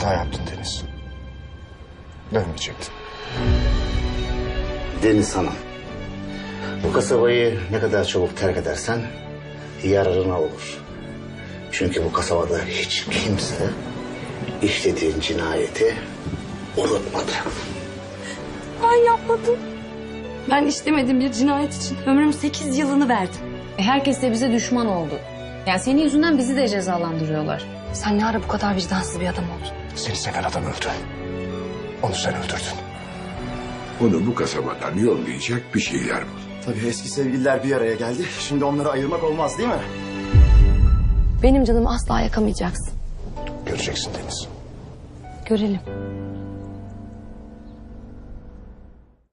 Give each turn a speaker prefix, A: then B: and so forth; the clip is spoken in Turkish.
A: Hata yaptın Deniz. Dönmeyecektin.
B: Deniz Hanım, bu kasabayı ne kadar çabuk terk edersen yararına olur. Çünkü bu kasabada hiç kimse işlediğin cinayeti unutmadı.
C: Ben yapmadım. Ben işlemediğim bir cinayet için ömrümün 8 yılını verdim.
D: Herkes de bize düşman oldu. Yani senin yüzünden bizi de cezalandırıyorlar.
C: Sen ne ara bu kadar vicdansız bir adam oldun?
A: Seni seven adam öldü. Onu sen öldürdün.
E: Onu bu kasabadan yollayacak bir şeyler bul.
F: Tabii eski sevgililer bir araya geldi. Şimdi onları ayırmak olmaz değil mi?
C: Benim canımı asla yakamayacaksın.
A: Göreceksin Deniz.
C: Görelim.